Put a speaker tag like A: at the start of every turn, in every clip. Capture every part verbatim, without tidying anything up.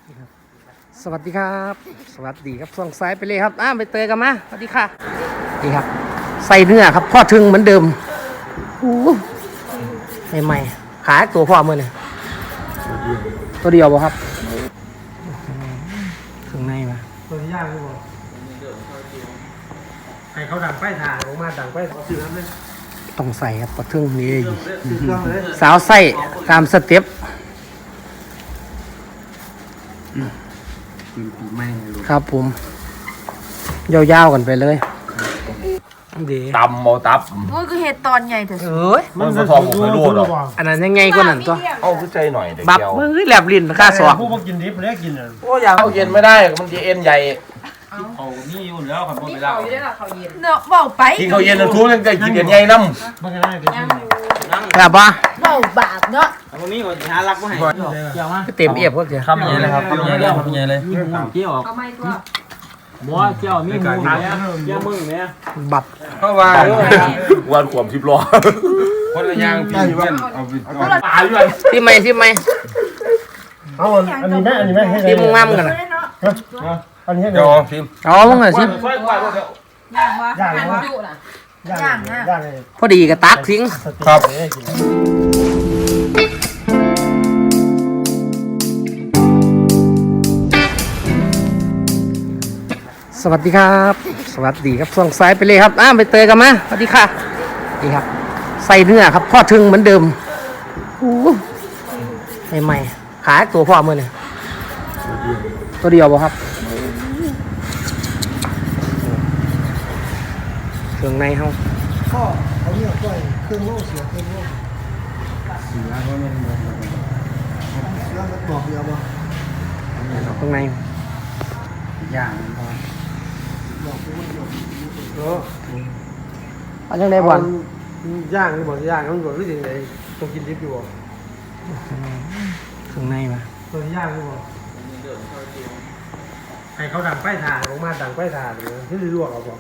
A: สวัสดีครับสวัสดีครับส่วงซ้ายไปเลยครับอ้าไปเตยกันมาสวัสดีค่ะดีครับใส่เนื้อครับพ่อถึงเหมือนเดิมใหม่ๆขายตัวพ่อมือเนี่ยตัวเดียวบ่ครับถึงในมาตัวที่ย่างนี่บ่ให้เขาดังไฟถ่านออกมาดังไฟซื้อน้ำเลยต้องใส่ครับปลาทึ่งนี่สาวไส้ตามสเต็ปครับผมยาวๆกันไปเลยดี
B: ตำโมตับ
C: โอ้ยคือเห็ดตอนใหญ่แต่
A: เอ้ย
B: มันจะทองผมไม่รู้หรอก
A: อันนั้นยังไงกว่านั้นตัว
B: เอาขึ้นใจหน่อยเด็ก
A: บับ
B: เดียว
A: มือแหลบลิ้นค่าสอบ
D: ผู้มากินดิบเนี่ยกินอ่ะ
B: โอ้ยเอาเย็นไม่ได้มันจะเอ็นใหญ่
D: เขานี่อยู่แล้วครับไม่ได้
C: เนาะเบาไป
B: กินเขาเย็นนะทุกยังจะกินเอ็นใหญ่น้ำ
D: มันก็ได้กิน
A: แบบว่า
C: เบาบาปเนาะ
D: ตรงนี้ก็หารักมาให้เกี่ยวมา
A: เต็มเอียบก็เกี่ยว
D: คำใหญ่เลยครับคำใหญ่เลยคำใหญ่เลยเกี่ยว
C: เอาไม้ตัว
D: บัวเกี่ยวมีหมูเนี่ยเกี่ยวมึงเนี่ย
A: บับ
B: เพราะว่าวันขวบสิบล้อคนละย่างพี่เพื่อนเอาตายด้วย
A: ที่ไม่ที่ไม่
D: เอาอันนี้แม่อันนี้แม่ให้
A: ที่มึงมั่มกันนะ
D: อันนี้
B: เดี๋ยวพิม
A: อ๋อมึงเหรอชิม
C: ย่างวะย่างวะย่างนะย่าง
A: พอดีกับตักทิ้ง
B: ครับ
A: สวัสดีครับสวัสดีครับส่วงซ้ายไปเลยครับอ้าไปเตยกันมาสวัสดีค่ะดีครับใส่เนื้อครับพ่อถึงเหมือนเดิมใหม่ๆขายตัวพ่อมือเนี่ยตัวเดียวบ่ครับเครื่องในเฮา
D: ก็เขาเนี่ยก็เครื่องโล่เสียเครื่องโล่เสียเพราะมันเสียมันบอกเดียวบ่
A: เครื่องใน
D: ย่างพอเออ
A: เอาจังได๋บ่อน
D: ย่างนี่บ่ย่างมันบ่รู้จังได๋ต้องกินดิบอยู่บ่
A: เครื่องในมา
D: ตัวย่างนี่บ่ให้เขาดังไฟถ่านออกมาดังไฟถ่านเลยที่ลวกเอาบ่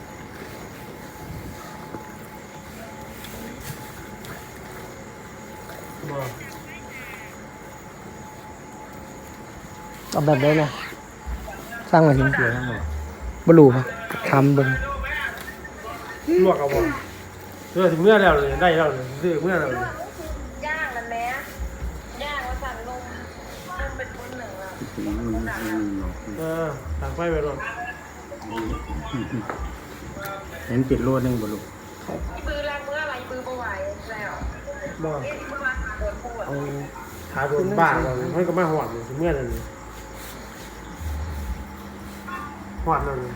A: เอาแบบได้นะสร้างมาถึงเกี่ยวทั้งหมดบลูครับทำบน
D: ลวกเอาบ่เมื่อถึงเมื่อแล้วเลยได้แล้วเลยซื้อเมื่อแล้วเลย
C: ย่างกันแม่ย่างว่าสั่งลมลมเป็นคนหนึ่งแล้ว
D: เออต่างไฟไปรถ
A: เห็นปิดโลดนึงบลู
C: ปืนแรงเมื่อไรปืนไม่ไหวแล้ว
D: บ่เอาขาโดนบ้าก่อนให้ก็มาหอดเลยถึงเมื่อเลยหอดเลย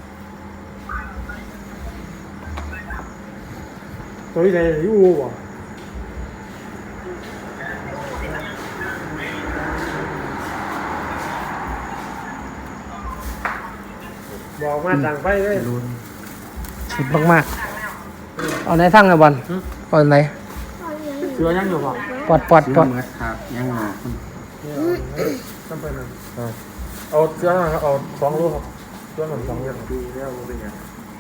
D: ตัวที่ไหนที่อูบ่บอกมาดังไฟเลย
A: สุดมากๆเอาไหนทั้งไงบอลเอาไหน
D: เสือยังอยู่ป่ะ
A: ปอดปอดปอด
D: ครับยังหนาต้องไปนั่นเอาเสือเอาสองลูกครับเสือหนึ่งสองอย่างดีแล้วเป็นไง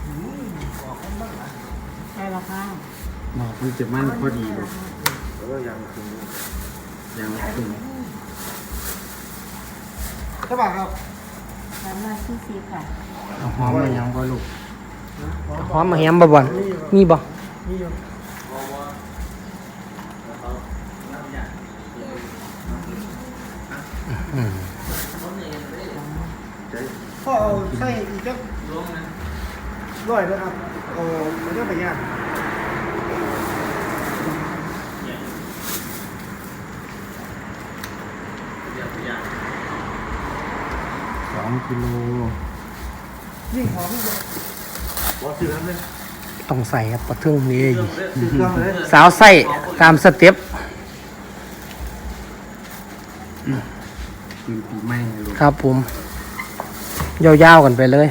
C: ใช่แล้วค่ะ
A: หมอกมันจะมั่นพอดีเลย
D: แล้วก็ยังถึง
A: ยังถึง
D: ใช่ป่ะครับ
C: สามร้อยสี่สิบค่ะ
A: หอมมายังบ่ลูกหอมมาแฮมบ่บอลมีบ่
D: พ่อเอาใส่อีกจักร้อยนะครับเอามันจะไปย่าง
A: สองกิโล
D: ยิ่งหอมยิ่งบ่ซื้อน้ำเลย
A: ต้องใส่ครับปลาทึ่งนี่
D: ซื้อเครื่องเลย
A: สาวไส้ตามสเต็ปครับผมยาวๆกันไปเลย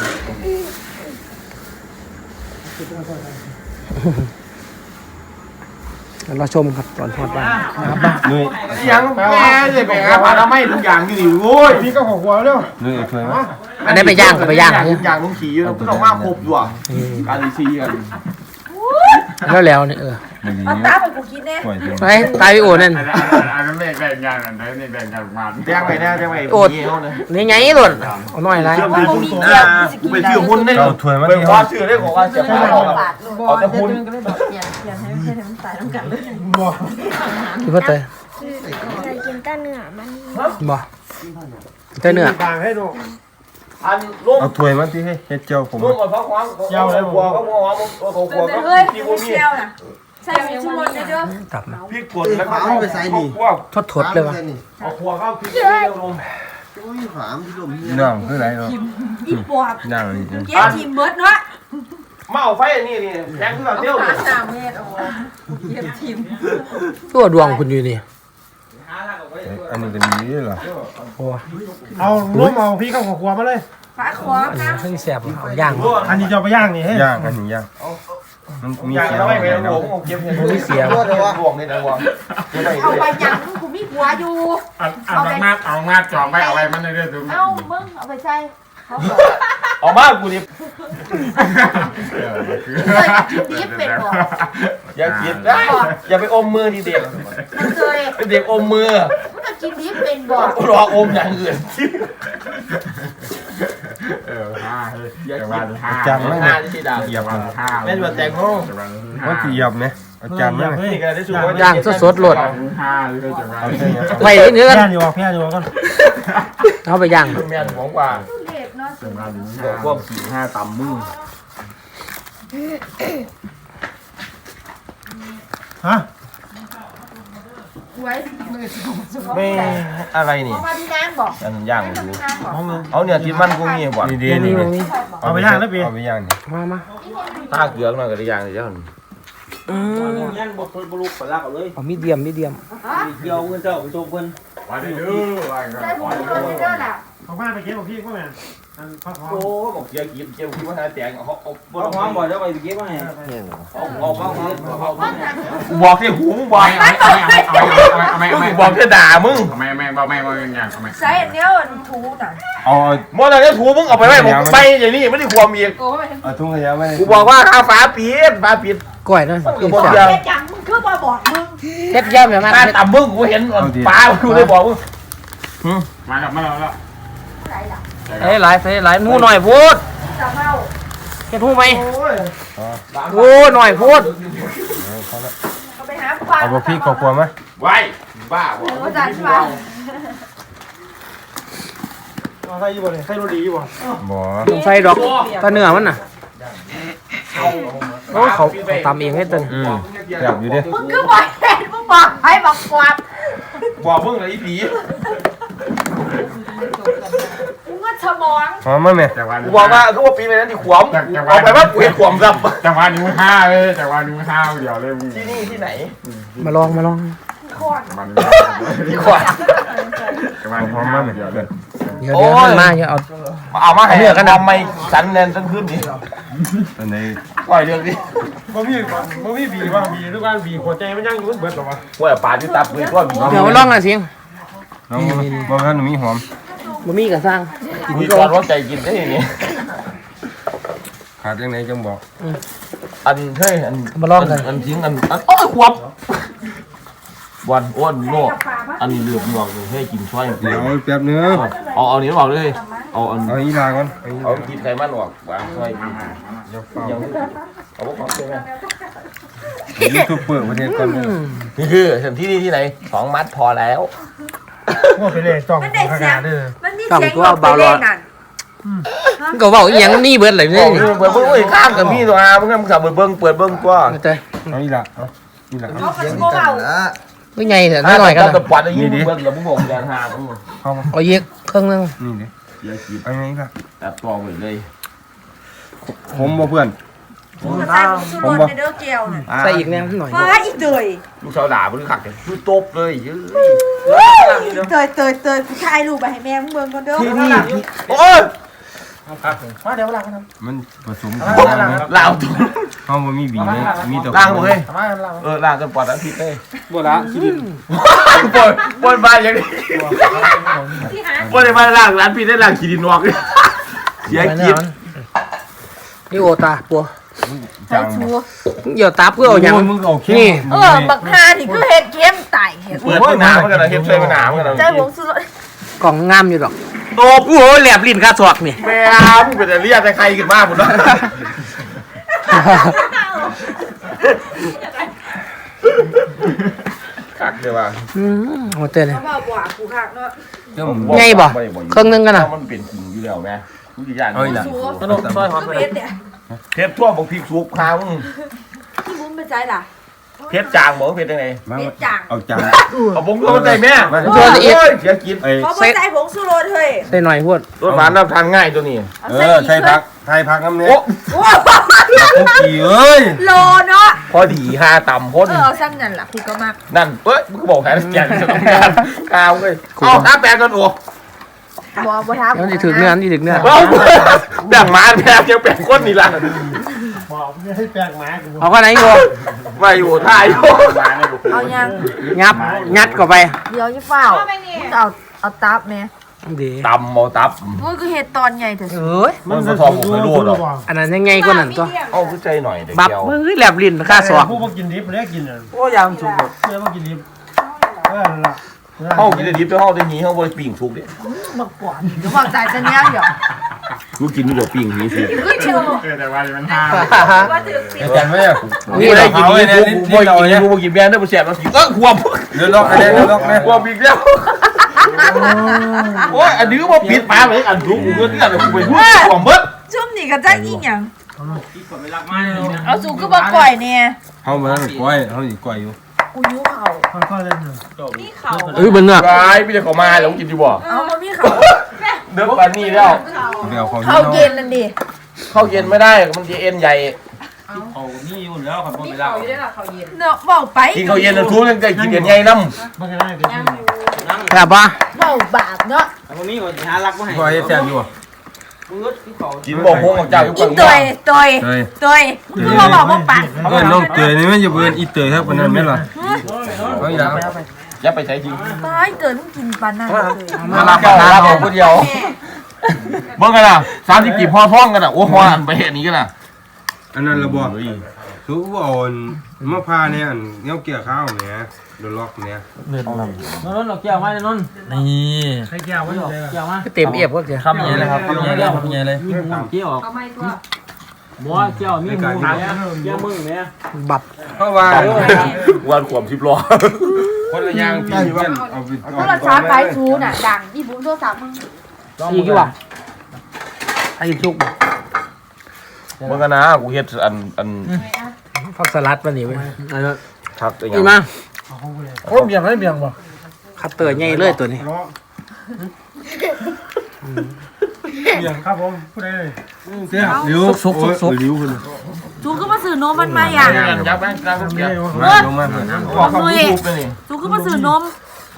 A: เราชมครับตอนทอดบ้านครับบ้าน
B: เหนื่อยยังแม่เลยไปหาปลาไม่ทุกอย่างอยู่ดิโว้ย
D: พี่ก็หัวหัวแล้ว
B: เหนื่อยเคยไหม
A: อันนี้ไปย่างไปย่าง
B: ทุกอย่างต้องขี่อยู่ต้องมาครบอยู่อ่ะการซีกัน
A: แล้วแล้วเนี่ยเออ
B: อย่างนี้
C: เอาตาไปกูกินแน่
B: ปล่อยจน
A: ไปตายไปโอ้นั่น
E: อันนั้นอันนั้นแบ่งแบ่งงานอันนั้นนี่แบ่งกันมา
B: แจ้งไปแน่แจ้งไป
A: โอดนี่ไงหล่นเอาหน่อยไร
C: ว่าบ่มีเกี๊ยวกูสิกิน
B: ไป
C: ได้
B: ชื่อหุ้นได้เอาถ้วยมาเป็นความชื่อได้ของการเสีย
C: ไม่
B: ค่า
C: ได้
B: เอา
C: บาทลูก
B: เอาแต่หุ้น
C: ก็เลยบอกเปลี่ยนเปลี่ยนให้ให้มันตายน้ำกันเลย
A: คิดว่าเตย
F: เคยกินแต่เนื้อมัน
A: บ่เตยเนื้อ
D: ต่างให้ดู
B: อันร่วม
G: เอาถ้วยมาที่ให้เฮ็ดเจียวผม
B: ร่วมกับพระความเจ้าเลยบัวก็บัวหอมเขาบัวก็
C: เฮ้ย
B: พี่
C: กู
B: บัว
C: ไม่
B: มี
C: เชียวน่ะใส่ชูรสเด้อ
A: ตับนะ
B: พี่กดแล้วก็เอาไปใส่นี่พวก
A: ทดทดเลยวะ
B: เอาขวดเข้าพี่เดียวลง
G: น้องคือไรเนาะ
C: อีปอบ
G: ย่างนี่
C: เก็บทีมเบิร์ดเนาะ
B: มาเอาไฟอันนี้นี่แทงขึ้นมาเตี้ยว
C: หา
B: เลย
C: สามเมตรโอ้เก็บทีม
A: ตัวดวงคุณอยู่นี่
G: อันนี้ก็ดีเหรอ
A: โอ้
D: เอาล้มเอาพี่เข้าหัวมาเลย
C: ฝาขวา
A: อัน
C: ค
A: นี้
C: รับ
A: เพิ่งแสบเอาย่าง
D: อันนี้จะเอาไปย่างนี่ให้
G: ย่างอันนี้ย่างมันมี
B: อยาก
G: เสีย
B: เอา
G: ง
B: ไป
G: ไหม
B: เป็นหล
G: เนาะ
B: วงเก็บเห็น
A: มีเสียง
B: หลวงนี่นะหลวง
C: เอาไปยังกูมีหัวอยู่
E: อันอันเอามาเอามาจองไปเอาไว้มันเรื่อยๆตรงนี้
C: เอ้ามึงเอาไปใส่เขาบอก
B: เอามากูดิ
C: เฮ้ยดิบเป็นบ่
B: อย่ากินได้อย่าไปอมมือทีเด็ก
C: มันเคย
B: เป็นเด็กอมมือ
C: มันก็กินดิบเป็นบ่
B: รออมอย่างอื่น
E: เออห้าเฮ้ยแต่วันห้า
G: จำไม่
B: หน้า
G: ได้
B: ที่ด่า
G: เหยียบมัน
E: ห้า
B: แม่นว่าแตงโม
G: ว่าสิเหยียบไหมเอาจำไหม
B: นี่ก็ได้สูว่า
A: ย่างสดๆโหลด
E: ห้าเลยจังหวะ
G: เอาแค่นี้
A: ไปเนื้อกัน
D: แค่อยู่แค่อยู่กัน
A: เอาไปย่าง
B: แม่นของกว่า
C: เด็ดเนาะ
E: จังหวะนี้
B: บอกพวกสี่ห้าต่ำมือ
D: ฮะ
C: ไว้
B: ไม่อะไรนี่
C: เอามาที่น้ำบอก
B: อันย่างอยู่
C: น้ำบอก
D: เอามือ
B: เอาเนี่ยกินมันกูมีบ่
G: นี่ดี
A: นี่
G: นี่
A: นี่นี่
D: เอาไปย่างแล้วพี่
G: เอาไปย่างนี่
A: มามา
B: ถ้าเกลือหน่อยก็ได้ย่างเลยเจ้า
A: อืม
H: ยันบอกคนบรุษปลากเอาเลย
A: เอามีเดียมมีเดียม
H: เกี่ยวเงินเจ้าไปโจมเพิ่น
E: วันนี้ดูวันกัน
C: ใส่หมูตัวนี้เด้อน่ะ
D: เอาบ้านไปเก็บของพี่ก็แม่อันพักหอม
B: โอ้บอกเกี่ยวกินเกี่ยวกินว่าหาแตงเอาเอา
H: บ่ต้องหอมบ่เดี๋ยวไปเก็บมาให้
B: เอาเอาเอาเอา
C: เพราะนั้น
B: บอกที่หูมึงบอก
E: เอาไม่เอาไม่เอาไม่เอาไม่
B: มึงบอกจะด่ามึง
E: เอาไม่ไม่เอาไม่เอาไม่อย่างเอาไม่
C: ใส่อันเดียวอันถูน่ะ
G: เอาเอา
B: มอนั้นถูมึงเอาไปไว้ผมไปอย่างนี้ไม่ได้ความอีก
C: โอ้ย
G: เอาทุ่งขยะไว้
B: กูบอกว่าข้าฟ้าปิดฟ้าปิด
A: ก้อยนั่น
B: กูบอก
C: บอก
B: เดียว
C: แค่จังมึงคือบ่บอกมึง
A: เฮ็ดย่ำแบบนั้น
B: ข้าต่ำมึงกูเห็นฟ้ากูได้บอกมึง
E: มาแล้วมาแล้วแล้ว
C: ไหนล่ะ
A: เอ้ยหลายใส่หลายหมูหน่อยพูด
C: จะเมา
A: เฮ็ดหูไหม
B: โอ้ย
A: โอ้หน่อยพูด
C: เอาไปหาปลา
G: เอาบ่พริกกลัวไหม
B: ไว้บ้า
C: เออว่าจันใช่ป่ะ
D: เอาใส่ยี่บ่เลยใส่โรดียี่บ่
G: บ่
A: ใส่ดอกตะเนื้อมันน่ะโอ้เขาเขาตำเองให้เตึง
G: อืมอยากอยู่ดิ
C: มึงคือบอกแทนมึงบอกให้บอกความ
B: บอกมึงเลยไอ้ผี
C: มึงก็สมอง
G: หอมมั้ยแม่
E: จังหวะ
B: กูบอกว่ากูว่าปีไปนั้นที่ขวมเอาไปว่ากูเห็นขวมครับ
E: จังหวะนี้ห้าเลยจังหวะนี้ห้าเดียวเลยมึง
B: ที่นี่ที่ไหน
A: มาลองมาลอง
C: โคตร
E: มัน
B: ที่ขวม
E: จังหวะนี้ห้าเดียวเลย
A: เดี๋ยวเดี๋ยวมันมาเดี๋ยวเอา
B: เอามาให้เนื้อกันทำไมสันแนนตั้งขึ้นนี่
G: อันนี้
B: ปล่อยเรื่องนี้
D: บ่มีบ่มีบีว่าบีทุกการบีหัวใจมันยังอยู่เบิดหรอวะ
B: ว่าป่าที่ตับมือก็มี
A: เดี๋ยวมาลองอ่ะเสียง
G: น้องบ่ทันมีหอม
A: บ่มีก็สร้างกิน
B: มี
A: ก่
B: ก่
A: อ
B: อน นว่าใจกินได้ยังไง
G: ขาดจังไหนจังบอก
B: อันเฮ้ยอัน
A: มาลองกัน
B: อันทิ้งอันอันโอ้ยขวบวันอ้วนโลกอันนี้เลือบหลอกเลยให้กินช่วย
G: เดี๋ยวแป๊บนึง
B: เอาเอานี้บอกเลยเอาอัน
G: เอาอีลาก่อนเอาอี
B: เอา
G: ลา
B: กินไขมันออกวางช่วยกิน
G: เดี๋ยวเฝ้า
B: ยังเอาพวกของใช่ไหม
G: ยูทูบเบอร์ประเทศก่อนเลย
B: นี่คือที่นี่ที่ไหนสองมัดพอแล้ว
D: ว่าไปเลยจ้อง
C: มันได้
D: ข
C: เสีย
D: นาง ดเด้อ
C: มันมีเสียงบอกไปเล่นนั่น
A: มันก็เว้าอีหยังนี่เบิดเลย
B: โอ้
A: นี่
B: ยเปิดเบิ้งเลยข้ามกับพี่ตัวอามึงมึงสับเปิดเบิ้งเปิดเบิ้งกว่า
A: เข้าใจ
G: เอาอีลาเอาอีลา
C: เขาก็โง่เอา
A: ก็ใหญ่แต่น้อยกัน
B: ตะปวดอย่างนี้เบิ้งแล้วมึงบอกแดงหามึง
G: เข้ามา
A: เอาเยกเครื่องนึง
G: นี่ดิ
B: เยอะกิน
G: เอาไงอีลา
B: แต่ตัวเหมือนเลย
G: ผมบ่เพื่อน
C: มึงก็ใส่มึงสุดในเด้อเกลียวน่ะ
A: ใส่อีกแนวหน่อย
C: ฟ้าอีเตย
B: ลูกสาวด่ามึงขักเลยคือตบเลยยื้อ
C: เตยเตยเตยกูถ่ายรูปไปให้แม่มึงเบิ่งก่อนเด้อ
G: ที่นี่
B: โอ้ย
D: มาเดี๋ยวล้างกัน
G: มันผสมกันนะ
B: ล่างตัว
G: เฮาบ่มีบีเลยมีแต่
B: ล่างหมดเลย
D: มาล้าง
B: เออล่างกันปอดอันผิดเลย
D: บ่ละคิดิน
B: ปนปนมาอย่างนี้
C: ที่หา
B: ปนมาล่างร้านผิดได้ล่างขีดินนอกเสียกิน
A: นี่โอตาปัว
F: ใส่ชู
A: เดี๋ยวตาเพื่อเอาอย่าง
G: มึงเอาเข้ม
A: นี่
F: เออบักฮานี่คือเห็ดเข้มไต่เห็ด
B: เปิดมะนาวมันกันนะเฮ็ดใส่มะนาวมันกันนะ
F: ใจผงสุรส
A: กล่องงามอยู่ดอกโอ้โหแหลบลิ้นคาสวกนี่
B: แม่มึงเป็นแต่เรียกแต่ใครขึ้นมาหมดแล้วคักเลยว่ะ
A: อืมโหเตือนเลย
F: เขาบอกว่ากูคักเนาะ
A: ไงบ่เครื่องนึงกันน่ะ
B: มันเป็นจริงอยู่แล้วแม่ทุกอย่าง
G: เอาอีกละ
F: ชู
A: ขนมซอยหอม
F: คือเผ็ดเนี่ย
B: เพชรทั่วบอกพริกสุกข้าวมึง
F: ที่บุ้มไปใจล่ะ
B: เพชรจางบอกเพชรยังไง
G: มา
F: เผ็ดจัง
G: เอาจาน
B: เอาบงโดนใจแม่
A: โดนอีก
B: โอ้ยเสียกิน
G: ไอ้
F: เขาบอกใจผงสุรสเฮ้ย
A: ใส่หน่อยพวด
B: รถหวานน้ำทานง่ายตัวนี้
F: เอา
G: เอ
F: ใส่
G: อ
F: อีก
G: ใช่พักไทยพักน้ำเนี้ย
B: โอ้
F: โอ้
G: คุกกี้เอ้ย
F: โลเนาะ
B: พอดีห้าต่ำพ้น
F: เออเอาซ้ำนั่นล่ะกูก็มัก
B: นั่นเอ้ยมึงก็บอกแค่แกนจะต้องการข้าวเลยเอาท้าแปลงกันโอ้
F: บ่บ่ทับ
A: เดี๋ยวจะถึงเนื้อนี่ถึงเนื้อ
B: เอาแบ่งมาแบ่งยังแบ่งคนนี่ล่ะ
A: เอาก็ไหนอยู่
B: มาอยู่ท่าอยู่
F: เอายัง
A: งับงัดเข้าไป
F: เดี๋ยวจะเฝ้ามึงเอาเอาตับแม่
A: ดี
B: ตำหมอตับ
F: มึงคือเห็ดตอนใหญ่เถอะ
A: เอ้ย
B: มันสะทองผมไม่รู้หรอก
A: อันนั้นยังไงก็นั่นตัว
B: เอาขึ้นใจหน่อยเดี๋ยว
A: บับ
B: เดียว
A: มือแหลบลิ้นคาสวก
D: ผู้มากินดิบเลยกินอ่ะ
A: โอ้ยามสุก
D: เพื่อมากินดิบเออละ
B: เข้ากินได้ดิบแต่เข้าได้หนีเข้าบริปิ่งสุกดิ
F: เดี๋ยวบอกใจจะเนี้ยเดี๋ยว
B: กูกินไม่ได้ปิ่งหนีสุก
F: คือชู
E: เออแต่ว่ามันห้า
F: ว่าถือสิ
G: อาจารย์ไม่อะ
B: นี่ได้กินนี่กูกูบ่กินกูบ่กินแม่ได้บ่แซ่บแล้วสิเออควบ
G: เดือดล็อกเลยเดือดล็อกเลย
B: ควบอีกแล้วโอ้ยอันนี้ก็บ่ปิดปากเลยอันทุกกูก็เนี่ยกูไปพูดควบเบิด
F: ชุ่มนี่ก็จะอีหยังเอาสูก็บอกก่อยเนี่ย
G: เขามาแล้วก้อยเขาอีกก้อยอยู่
F: กูยิ้วเข่า
D: ค่อยๆเล่นหน่อย
F: มีเข่า
A: เอ้ยเบิ่งเนื้อ
B: ร้ายพี่จะเข้ามาแล้วกินดีบ่
F: เอามามีเข่า
B: เนื้อปลานี่แล้ว
G: เดี๋ยวเขา
F: เข่าเย็นนั่นดิ
B: เข้าเย็นไม่ได้มันจะเอ็นใหญ่
H: เอานี่อยู่แล้วครับบ่ไปลาก
F: เนาะบอกไป
B: กินข้าวเย็นทุกยังได้กินเอ็นใหญ่นำ
D: มันก็ได้เดี๋ยว
A: แบบว่า
F: เมาบาปเนาะ
H: เอาบ่มีว่าสิหารักมาให้
G: ก้อยแซ่บอยู่
H: มึงก็ที่เขา
B: กินบ่โฮงของเจ้าอยู่
F: อี
B: ฝั่ง
F: ตั
B: นี้
F: ยตัย
G: เฮ้ย
F: ตัยคือมาบอกว่าปั่น
G: เออน้องเตยนี่มันจะเบิร์นอีเตยครับคนนั้นไม่หรอเอาอีกแล้ว
B: อย่าไปใช้จริง
F: ตายเกิดมึงกินปานนั้นเลย
B: มาลาเข้าลาเข้าคนเดียวเบิ่งกันน่ะสามสิบกี่พอท้องกันน่ะโอ้ฮออันไปเฮ็ดนี้กันน่ะ
G: อันนั้นระบอกสูบอ่อนมะพร้าวเนี่ยเงี้ยเกี่ยวข้าวเนี่ยเดือดล็อกเนี่ย
H: นนท์เราเกี่ยวมาเลยนนท์นี่
D: ใครแก้วไว้อยู่เลย
H: เกี่ยวมา
A: เต็มเอียบก็เจอ
H: คำใหญ่เลยครับคำใหญ่เลยคำใหญ่เลยมีหมูเกี่ยวเอาไม่ตัวบ่เกี่ยวมีหมูเนี่ยเกี่ยวมึงเนี่ย
A: บับ
G: เพราะว่า
B: วันขวมสิบล้อ
G: คนละอย่างพี่เพื่อนเอาไป
F: โทรศัพท์ไฟชูน่ะดังอีบุ้มโทรศัพท์มึง
A: อีกอยู่ว่ะไอ้ชุก
B: เบิ่งกันนะกูเฮ็ดอันอัน
A: ผักสลัดมาหนิเว้ย
B: ทักอีหยั
A: นี่
B: ง
A: มา
D: โอ้เบี่ยงได้เบี่ยงป่ะ
A: คัตเตอร์ใหญ่เลยตัวนี้
D: เบี่ยงครับผมพูดได้เลย
G: เสื้อลิ้วซุกซุกซุกลิ้วคน
F: จูก็มาซื้อนมมันมาอย่าง
B: ยักแม่งกลางเกียร์
G: มาลงมาเพื่อน
B: บอกเขาพูดไปนี่
F: จูก็มาซื้อนม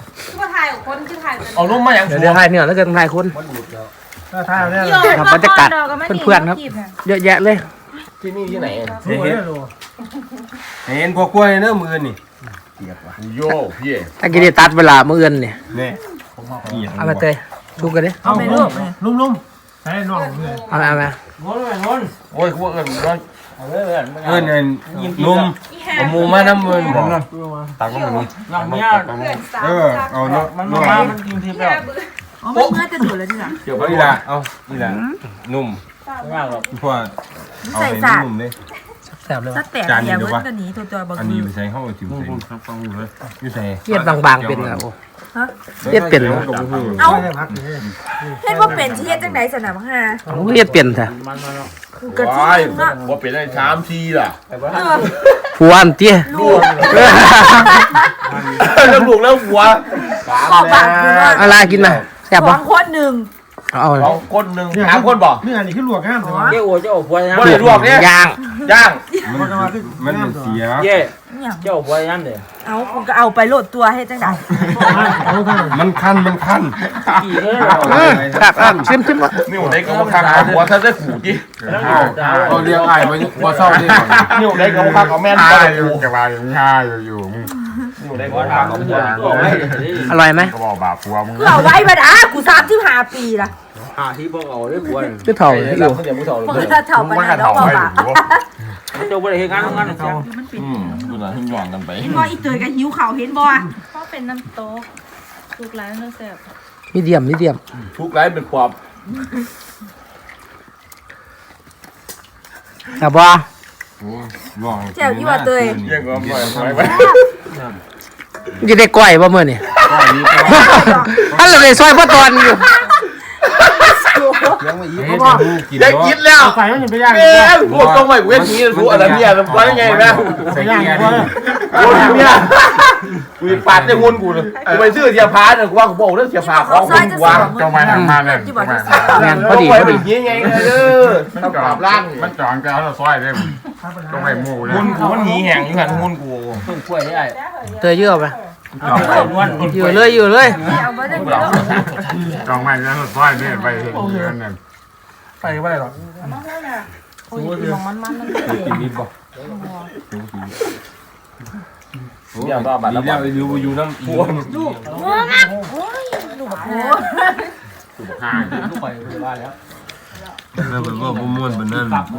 B: เอานุ่มมาอย่าง
A: เดี๋ยวเดี๋ยวถ่ายเนื้อแล้วเกินถ่ายคน
D: ถ้าท่าเนี่ย
A: ครับบรรยากาศเพื่อนๆครับ เยอะแยะเลย
B: ที่นี่ที่ไหน
D: รู้ไหมรู้
G: เห็นพวกกล้วยเนื้อมือนี่
B: โยพี่
A: ตะกี้ได้ตัดเวลามื้ออื่นเนี่ย
G: เนี่ย
A: เอามาเตยชุกกันดิ
F: เอาไปลูก
D: ลุ่มลุ่มใช้น่องเลย
A: เอามาเอามา
H: นนท์นนท์
B: โอ้ยพวกเอิญว่า
H: เอาเลยเพื่อน
G: เพื่อนเงินนุ่มเอาหมูมาน้ำมือผมนะ
B: ตังค์มัน
H: หลังเนี้ย
G: เออเอาเนาะ
H: มันมามันกินทิพย์แล้ว
F: อ๋อมันเมื่อจะดูดแล้วนี่หรอ
B: เกี่ยว
G: เอา
B: กับ
G: อีละเอาอีละนุ่ม
H: ไม่ยากหรอก
G: เพราะว่าเอา
F: ใส่
G: ให้
F: สาร
G: นุ่มเลย
A: แซ่บเลย
F: ส
A: ว่ะ
F: แต็กเดียวเว้ยกันนี้ตัวตัวบาง
G: อัน
F: ที
G: นี้ไปใส่เข้าไปถิ่มใส่อยู่ใส่
A: เทียบบางๆเป็นอะโอ้เทียบเป็นเหรอ
F: เอา
D: ไม่ได้พักเลย
F: เฮ็ดว่าเป็นที่เฮ็ดจังไดสนามฮะ
A: เอาเทียบเป็นแท้
H: มันมาแล้ว
F: กูกระที่
B: ว้าย
F: นึงอ่ะ
B: ว่าเป็นได้ชามทีล่ะ
F: เออ
A: ผัวอันเตี้ย
F: ลูก
B: แล้วลูกแล้วหัว
F: ขอบางกูว่า
A: อะไรกินมาแซ่บ
F: ส
A: ปะ
F: องคนหนึ่ง
A: เอา
B: สองคนหนึ่งสามคนบ่
D: เนื้อนี่คือลวกง่ามใช่ไหม
H: เจ้าโอ้เจ้าโอ้ป่วยนะ
B: บ่ได้ลวกเนี่ย
A: ย่าง
B: ย่าง
G: มันมันเสีย
H: เจ้
F: เนี่ย
H: เจ้าป่วยนั่นเด้อ
F: เอากูก็เอาไปโหลดตัวให้จังได
D: เอาท่าน
G: มันคันมันคัน
H: กี่เลย
A: เออครับอ่ะชิมชิมวะ
B: นี่หัวได้ก็มาคักหัวถ้าได้ขู่จี
G: เขาเรียกไอ้มาว่าเศร้าดิ
B: นี่หัวได้ก็มาคักเอาแม่น
E: ห้า
B: ไป
E: อยู่กับว่าอยู่ห้าอยู่อยู่มึง
B: นี่หัวได้ก็มาคักเอาหัว
A: อร่อยไหม
E: ก็บอกบาปผัวมึง
F: กูเอาไว้บัดอ่ะกูสามสิบห้าปีละ
B: โ
H: หาที่บอกเอาได้ควร
A: คือเถ่าอยู่
F: เมื่อถ้าเถ่าปัญหาแล้วบ่บ่า
H: เจ้าบ่ได้เฮ็ดงานงานเจ้า
B: อืมดูนะหย่อนกันไป
F: เห็นบ่อีเตยก็หิวข้าวเห็นบ่
C: เพราะเป็นน้ำโต๊ะทุกร้านเนื้อแซ่บ
A: มีเดียมมีเดียม
B: ทุกไร้เป็นความ
A: แต่บ่
F: แจ่วอยู่ว่าเตย
B: เยี่ยงก็ปล่อยไป
A: จะได้ก้อยบ่มื้อนี่อันเราได้ซอยบ่ตอนอยู่
B: ได้กินแล้ว
D: ไข่มันยังไปย่าง
B: เอ๊ะพวกต้องไปเวทีรู้อะไรเนี่ยมันว่ายังไงนะ
D: ไปย่างกูเลย
B: โอ้ยเนี่ยกูปาดได้งนกูเลยกูไปซื้อเสียพาเนี่ยกูว่ากูบอกเรื่องเสียพาของกูวาง
E: จงไปทางมาเลย
F: ที่บ่ได้
A: งานพอดี
B: ไป
A: พอ
B: เป็
A: ดี
B: นยังไงเลยเด้อต้องปราบล่าง
E: มันจองแก้วแล้วซอยได้จงไปหมู่เลย
B: งนกูมันหนีแห่งอยู่หันงนกู
H: ต้นกล้วยได้
A: เตยเยอะไป
H: จองไปนวล
A: อยู่เลยอยู่เลย
F: เอาบ่ได้เยอะ
E: จองไปแล้วซอยได้ไปเดือนนึง
D: ไปไม่ได้หรอก
H: กินดิบบ่
B: เดี๋ยวก็บัตรแล้ว
G: แล้วอยู่อยู่น้ำพวง
F: ลูกโอ้ยลูกบักโอ้
E: ห่าง
H: ลูกไปว่าแล้ว
G: แล้วแบบว่าบ่ม่วนปานนั้น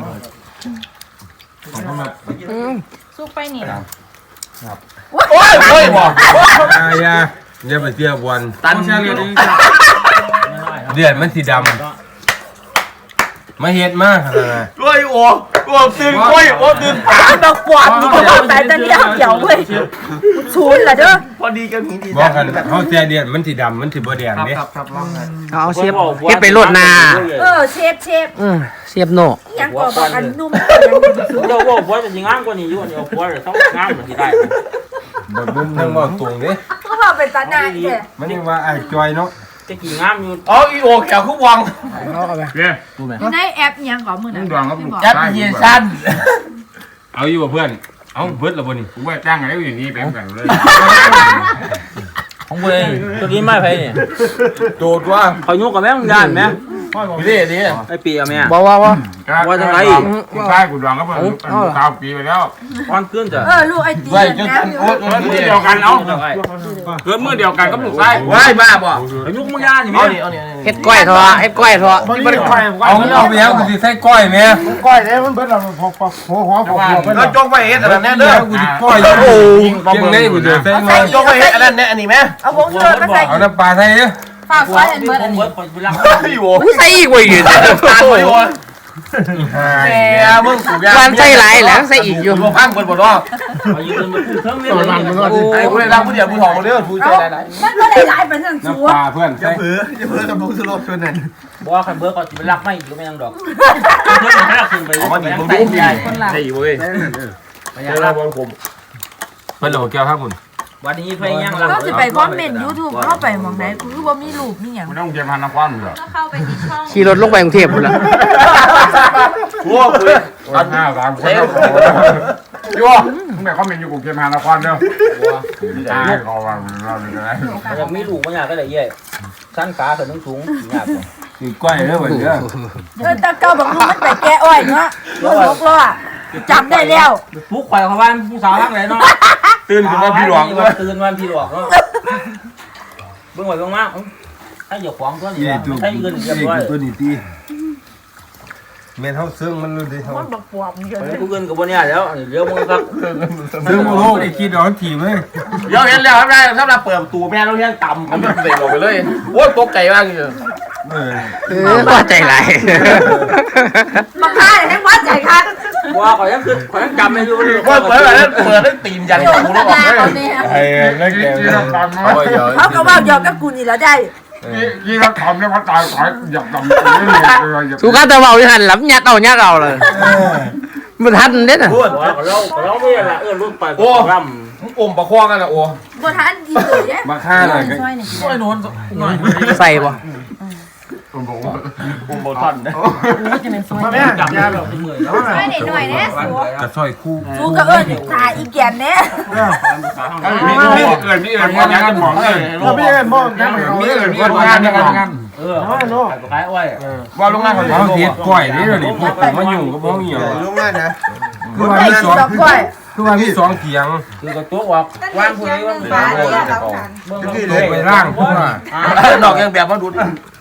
A: อืม
C: ซุกไปนี่
B: โอ้ยโอ้ยบอก
G: อาอย่าอย่าไปเที่ยววัน
B: ตันเชียร์เลย
G: เดือดมันสีดำมาเฮ็ดมากขนาดนั้น
B: โอ้ยโอ้โอ้ตื่นโอ้ยโอ้ตื่น
F: ดอกปวดนี่ก็บ่ตายแต่เลี้ยงเกี่ยวเว้ยศูนย์ล่ะเด้อ
B: พอดีกันหีดี
G: บอกกันเขาแซ่เดือดมันสีดำมันสีบ่แดงเด้
A: เอาเอาเสียบเฮ็ดไปโลดนา
F: เออเชฟเชฟ
A: อืมเสียบโน
F: ยังก็บอกอันนุ่ม
H: เจ้าว่าผัวจะสิงามกว่านี้อยู่นี่เอาผัวจะต้องงามเหมือนที่ได้
G: บ่บุ้มทั้งบ่ตรงเด้
F: ก็พอเป็นตาหน้าแท้
G: มันยังว่าไอ้จอยเนาะ
H: จะกี่งามอยู่
B: อ๋ออีโอแขวคุกวัง
A: เอาเอาไป
E: เนี่ย
F: อยู่ในแอปอิหยังก่อนมื้อ
E: มึ
F: นั้
E: ง
F: น
E: ดองกับ
B: แอปพลิเคชัน
G: เอาอยู่บ่เพื่อนเอาเบิดแล้วบ่นี่
E: กูว่าจ้างอะไรอยู่นี่เป็นกันเลย
H: ของกูเองตัวนี้ไม่ไผนี่
B: โดดว่า
H: เขายุกกับแม่มึงด้านแม่
B: นี่นี่
H: ไอ้ปีอ่ะแม่
A: บ่ว่าว่า
E: กูใช่กูดองกับเพื่อนเก้าปีไปแล้ว
H: อ่อนขึ้นจ้ะ
F: เออลูกไอตี
B: ไว้จน
F: นะ
B: โอ้
E: มือเดียวกันเอาเกิดมือเดียวกันก็ลูกไส้
B: ไว้บ้าบ่
H: เขายุกมึงด้านนี่
B: เอา
H: แม่
B: นี่เอานี่
A: เฮ็ดก้อยเถอะเฮ็ดก้อยเถอะ
D: มันไม่ได้ไข่
G: เอาเอาไปแล้วกูสิใส่ก้อยแม่
D: ก้อยเนี่ยมันเบิดเราพอพอหัวหัวหัวหัวเบิด
B: แล้วจงไปเฮ็ดอะไรแน่เด้อ
G: กูสิก้อยอยู่โอ้เพียงได้กูจะใส่น้อย
B: จงไปเฮ็ดอะไรแน่อันนี้ไหม
F: เอาวงเชิญมาใส่
G: เอาน้ำปลาใส่เด้อ
F: ฝากซอยอันเบิดอันนี้
H: กูรัก
B: อยู่
A: กูใส่อีกเว้ย
B: ตาไปวะแกมึงกูยา
A: วันใส่หลายแล้วใส่อีกอยู่
B: กูพังเปิดบ่ดอก
H: เอายืนมาพูดเทิงเรื่องนี้
B: ไอ้กูได้รับผู้เดียวผู้ทองมาเด้อผู้ใจหลาย
F: มันก็ได้หลายเป็นนั่นสัว
G: น้ำปลาเพื่อนใส่
B: ๆเผืออย่าเผือกับมึงสลบชนนั่น
H: บอกว่าคันเบิร์ก็สิไปรักไม่อีกก็ไม่ยังดอกเพิ่นไม่รักขึ้นไป
B: เอามาดิมึงดูใหญ่ใช่เว้ยเวลาบอลผม
G: เพิ่นเอาแก้วครับคุณ
H: วันนี้เพิ่นยังรัก
F: ก็สิไปคอมเมนต์ YouTube เข้าไปหม่องใดคือบ่มีรูปมีหยัง
E: กูต้องเตรียมพันน้ำควันเหรอ
C: ก็เข้าไปที่ช่อง
A: ขี่รถลงไปกรุงเทพพุ่นล่ะ
B: โอ้คุย
E: ห้าสามคนยั่วมึงแบบเขาเป็นอยู่กูเตรียมพันน้ำควันเด้อตายเขาว่าเราเป็นอะไร
H: ยังมีลูกบ่อยากก็ได้เย่ชั้นขาขึ้นสูงยาก
G: สิก้อยเด้อบัดเด้อ
F: เออตาเก่าบอกลูกมันไปแก้อ้อยเนาะรถหกล้อจำได้แล้ว
H: ปุ๊กข่อยเขาบ้านผู้สาวทั้งหลายเนาะ
B: ตื่นขึ้นมาพี่หลวง
H: ตื่นวันพี่หลวงเนาะเบิ่งไว้เบิ่งมาถ้าอย่าขวางตัวนี้
G: นี่ตัว
H: ถ้าเงินเรียบร้อย
G: ตัวนี้ตีแม่นเฮาซึ่งมันรู้ดิเฮา
F: มันบักปวบเยอะ
H: กูเงินกับบ่เนี่ยแล้วเดี๋ยวมึงครับ
G: ซึ่งบ่ฮู้ได้คิดเอาทีมเลย
B: เดี๋ยวเห็นแล้วครับได้สำหรับเปิดประตูแม่เราเลี้ยงต่ำผมเตะลงไปเลยโอ้ยตกใจมากเลย
G: เออ
A: เออว่าใจหลาย
F: มาฆ่าให้วัดใจค่ะ
H: ว่าข่อยยังคือข่อยยังจำไม่อยู่เลย
B: เปิดเปิดแบบนั้นเปิดได้ตีนยัน
F: โย
B: กู
F: น
B: แล้ว
F: ตา
B: บอก
F: ตอนนี้
G: ไอ้นั่นแก
E: ยี่ทำตาม
B: โอ้ยเดี๋ยว
F: เขาก็ว่าหยอกกับกูนี่แล้วได้
E: ยี่ทำทำเนี่ยเขาตายขายอยากทำ
A: สุขาตะเว้าอยู่หั่นหลับยัดเอายัดเอาเลยมันทันเด้น่ะ
B: พูด
H: ว่าเราเราไม่ละเออรุ่นไปร่ำ
B: มึงอมประคองกันละโอ้
F: บ่ทันดีเลยเนี่ย
G: มาฆ่าหน่อยก็
F: ซอยนี่
B: โอ้ยนอนหน่อย
A: ใส่บ่
B: อมบอลทันนะ
D: มาแม่
H: จับ
D: ยาแบบ
H: มือ
C: ช่วยหน่อยๆนะสัว
G: กระซอยคู่
F: กูก็เอิ้นตาอีแก่นเนี่ย
E: มีมีเกินมีเกินคนงานกันหมองเลย
D: เราไม่ได้มองแค่ไหน
E: มีเกินคนงานกันงาน
H: เออขายอ้อย
B: ว่าโรงงานเขา
G: เฮาเฮ็ดก้อยนี่เดี๋ยวนี้พวกผมมายุ่งกับเฮาอีหยัง
B: โรงงานนะ
G: คือว่า
F: ได้
G: มี
F: กิ
G: ส
F: น
G: อง
F: ดอกกล้วย
G: คือว่ามีสองเถียง
H: คือกระตัวว่าว่างผู้นี้ว่า
F: ฟ้าเนี่ยเราขัน
H: เบิ่ง
G: ลงไปล่างพวกว่า
B: นอกยังแบบมาดู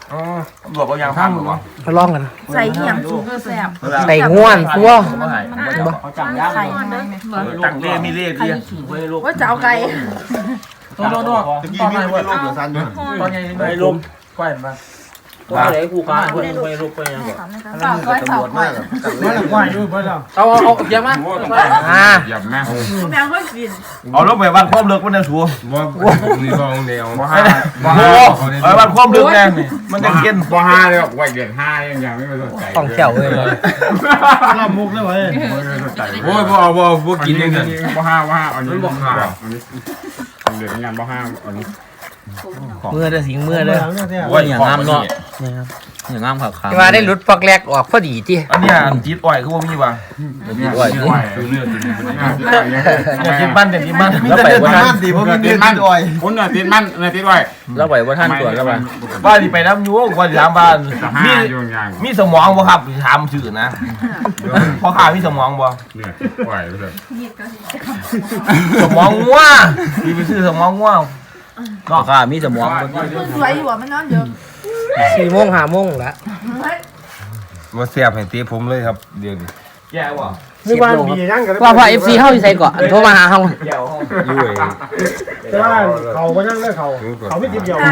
B: อ๋อตำรวจบางอย่างข้ามหรือวะ
A: มาลองกัน
F: ใส่เหี่ยงสูงก็แซ่บ
A: ใส่ง่วนตัว
H: เขาจังย่าง
F: ไข่ได้
B: ตักเล่มีเล่เดีย
F: ว่าจะเอาไก่
H: โน่นโน่น
B: ตะกี้มีลูกเหลือสั้นด้วย
H: ตอนนี้ไม่ลุมก้อยมาตัวไหนกูการคนไม่ลุกไปยังก่อน
F: ฝากก้อยฝากก้อย
D: ไม่ละควายด้วยเพื่อนเรา
H: เอาเอาเยอะมาก
A: อ่า
E: หยับแม่
F: แม่ก็กิน
B: เอาลงไปวันความเลิกมันจะสัว
G: บ่ผมนี่บ่เอาแนว
E: บ่ห้าบ่
B: โอ้
E: ห้า
B: ไอ้วันความเลิกแน่นี่มันจะกิน
E: บ่ห้าเลยไหวเดือนห้ายังยังไม่สนใจ
A: ต้องแขวเลย
D: ลำมุกได้ไหม
E: ไม่สนใจ
G: โอ้ยบ่เอาบ่บ่กินยังไง
E: บ่ห้าบ่ห้าอันนี้บ่ห้าอันนี้เดือนงานบ่ห้าอันนี้
A: เมื่อเด้อสิงเมื่อเด้อ
H: ว่าอย่างงามเนาะอย่างงามขาขา
A: ที่ว่าได้หลุดปอกแรกออกพอดีที่
B: อันนี้จีดอ่อยคือว่ามีว่ะ
E: นี่ไหวคือเนื้อจริง
B: อย่างจีดบ้านอย่างจีดบ้าน
H: แล้วไปว่าท่าน
E: ดีเพราะมีเนื้อติดอ่อยคุณน่ะติดมันน่ะติดไว้
H: แล้วไปว่าท่านตรวจแล้วไป
B: บ้านที่ไปน้ำยูกว่าจะถามบ้าน
E: ห้า
B: มี
E: อยู่อย่าง
B: มีสมองบ่ครับถามชื่อนะพ่อข้ามีสมองบ่
E: เนี่ยไหวเลย
B: สมองงัวมีไปซื้อสมองงัว
H: ก็ค่ะมีสมอง
F: สวยอยู่อ่ะมันนอนเยอะ
A: สี่โมงห้าโมงละ
G: บ่แซ่บให้ตีผมเลยครับเดี๋ยวนี้
B: แย่ว่ะ
D: ไม่ว่ามีนั่งกัน
A: ว่าพอเอฟซีเข้าอยู่ใส่ก่อนโทรมาหาเฮา
B: แย่ว่ะ
G: อยู่เอง
D: แต่ว่าเขาก็นั่งได้เขาเขาไม่ติดเดียว
A: บ่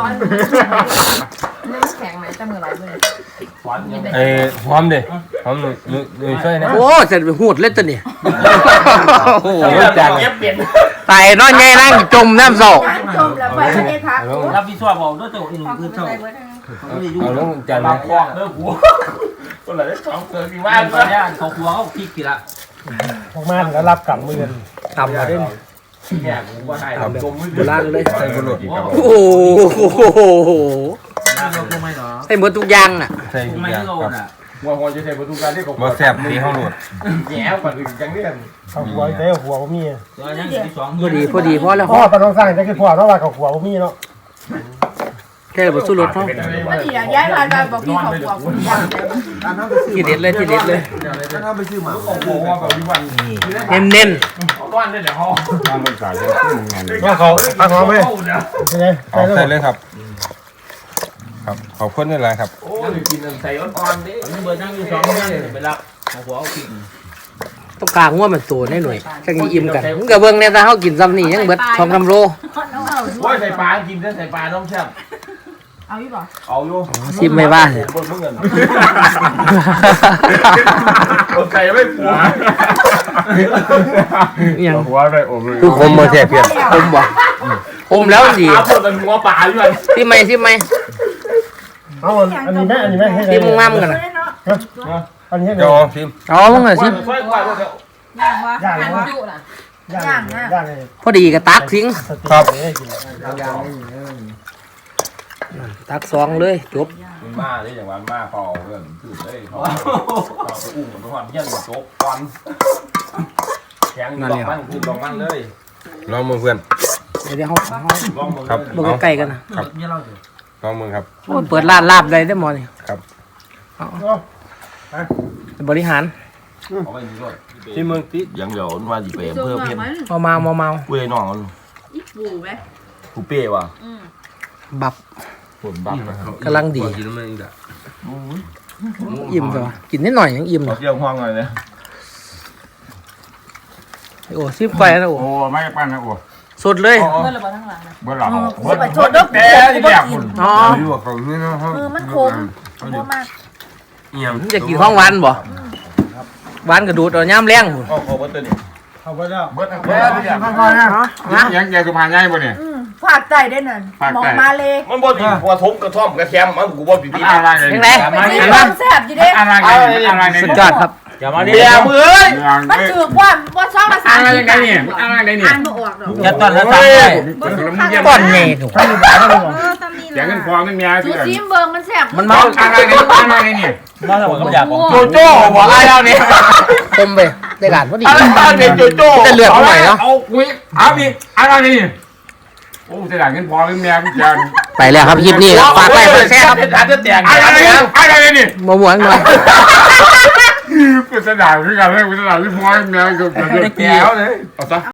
F: แข็งไหมแต่มือไหลมือ
G: เอ้หอมดิหอมหนุ่ยหนุ่ยช่วยนะ
A: โอ้เสร็จไปหูดเล่นตัวนี่โอ้โห
B: จังเก็บเปลี่ยน
A: ตายนอนไงนั่งจมน้ำโซ
F: จมแล้วไปไม่ได้พัก
H: รับผิดชอบบอกด้วยตัวอีกหนึ่งคือเท่า
G: เอาลงจาน
B: บา
G: นะ
B: งคอกเด้อหัวคนละได้สองเสือกี่ว่า
H: บ้านเนี่ยเขาครัวเขาพริกกี่ละ
D: ออกมาแล้วรับกลับมือ
A: ทำมาได้
B: แย่ผมว่าได้จมมือ
A: โบราณเลย
G: ใส่บุหรี่
A: โอ้โห
H: น้ำเราคงไม่หรอ
A: ให้หมดทุกอย่างน่ะ
G: ใส่
H: ค
G: ทุ
H: ง
G: ก
H: ไม่
G: อย่าง
H: โล
G: ครับ
H: น่ะ
B: หัวหัวจะใช้ประตูการที่เขา
G: บ่แซ่บตีเฮาโหลด
B: แย่กว่าอื่นจังเนี่ย
D: เขาหัวใส่หัวผมมี
H: ตัวยังที่สอง
A: พอดีพอดีพอแล้ว
D: พ่อตอนน้องสร้างจะคือพ่อเพราะว่าเขาหัวผมมีเนาะ
A: แค่บทสู้รถเขา
F: ก็ดีอ่ะย้ายมาบอกพี่เขาบอกคุณยัง
A: ที่เด็ดเลยที่เด็ดเลย
B: ถ้าไปซื้อหมาของหัวแบบวิวัน
A: เน้นเน้น
B: ก้อนได้เดี๋ยวห้อง
E: ทางบริษัทจะขึ้นงาน
D: ว่าเขาพักน้องไหมใช่ไหม
G: เอาใส่เลยครับ ครับขอบคุณด้วยหลายครับ
B: โอ้ยกินใส่อ่อนๆดิ
H: เบอร์นั่งอยู่สองยังไปรับของหัวเอาพริก
A: ต้องกลางว่ามันตัวแน่หน่อยจังอิ่มกันมึงกับเบิ้งเนี่ยถ้าเขากินซ้ำนี่ยังเบิดทองคำโล
B: ว่าใส่ปลากินได้ใส่ปลาน้องแซ่บ
F: เอาอยู่ป่ะ
B: เอาอยู่
A: ซิมไม่ว่าเลย
B: บนมึงเงินใส่ไม่ผัว
A: ยัง
E: หัวได้อมเลย
G: คือผมบ่แซ่บเพียง
A: ผมบ่ผมแล้วดี
B: ปลาพวกมันหัวปลาอยู่เลย
A: ซิมไหมซิมไหม
D: เอาอันนี้แม่อันนี้แม่ให้
A: ซิมมึงงามกันนะ
D: อันนี้ให้
G: เดี๋ยวซิม
A: อ๋อมึงอะซิม
B: ช่วยกว่าพวกเดียว
F: ย่างวะ
D: ย่าง
F: ย่าง
D: นะ
F: จุน่ะ
D: ย่างย่างเลย
A: พอดีกับตักทิ้ง
G: ครับ
A: ตักสองเลยจบ
B: มาได้อย่างวันมาพอเรื่องถือได้พอเอาไปอุ้มทุกวันเยี่ยมโจ๊กก่อนแข็งลองมันคือลองมันเลย
G: ลองมือเพื่อน
A: เดี๋ยวเขา
B: ลองมือ
G: ครับ
A: เบิ่งใกล้ๆกันนะ
H: เนี่ยเรา
G: ลองมือครับ
A: โอ้ยเปิดร้านลาบได้ได้หมอนี่
G: ครับ
A: บริหาร
B: เอาไปนี่ด้วย
G: ที่เมืองติ
B: ยังเดี๋ยวว่าจะไปเพิ่มเพิ่ม
A: เมาเมาเมาเมา
B: กูเลยน้อง
F: อีปูไหม
B: กูเป้ว่ะ
A: บับ
B: ผลบักนะ
A: กำลังดี
G: กินมันอีกอ่ะ
A: อิ่มตัวกินนิดหน่อยยังอิ่ม
B: เรา
A: เลย
B: เที่ยวห้องเลยเนี่ย
A: โอ้ซิมไปนะโอ้
E: โอ้ไม่ปั้นนะโอ้
A: สดเลย
F: เมื่อเราไปทั้งหลังนะ
E: เมื่อหลับ
F: เมื่อไปโทษด้วย
E: แต่ที่แรกคุณ
A: อ๋อ
G: อยู่กับเขานี่เนาะ
F: มือมันคมคมมาก
G: เอี่ยม
A: มึงจะกินของหวานบ่หวานกระดูดเอาย่ำแรงหุ่น
B: ก็ขอเบิร์ตนี่
D: เอาไปแล้ว
B: เบิร์ตแค่ที่อยาก
D: ค่อยๆนะ
E: ยังยังสุพรรณใหญ่ป่ะเนี่ย
F: ฝากใจได้นั่นมองมาเลย
B: มันบ่ติหัวทบกระท่อมกระแคมมันกูบ่ติด
E: อะไร
A: ยังไง
F: ไปซื้อความแซ่บอยู่เด้
E: อะไรอะไร
A: สุดยอดครับ
H: อย่ามาดิ
B: เบียร์มือเอ้ย
F: มันถือว่าว่าชอบภาษา
E: อะไรยังไงเนี่ยอะไรเนี่ย
F: อ่านไม่ออกหรอก
H: อย่าตอนแล้วตาย
A: ก้อนใหญ่ถูก
E: อย่างเงินพอเงินเมีย
F: ดูซิมเบิงมันแซ่บ
A: มันเมา
E: อะไรเนี่ยอะไรเนี่ย
H: มาแล้วผมก็อยากบอก
B: โจโจ้หัวไอ้แล้วนี่
A: คมไปได้หลานพอดี
B: อะไรตาเนี่ยโจโจ้
A: จะเลือดเท่าไหร่เนาะ
E: เอาคุยเอาอีกอะไรเนี่ยโอ้จะด่าเงินพอเงินเมียกูจะ
A: ไปแล้วครับคลิปนี้ครับฝากไลค์กดแชร์ครับ
B: อาจจะแตก
E: อะไรเนี่ยอะไรเนี่ย
A: มาหมวนหน่อย
E: กูจะด่าคือกันเลยกูจะด่าที่พอเงินเมียกูจะเดือดแก้วเลยเอาซะ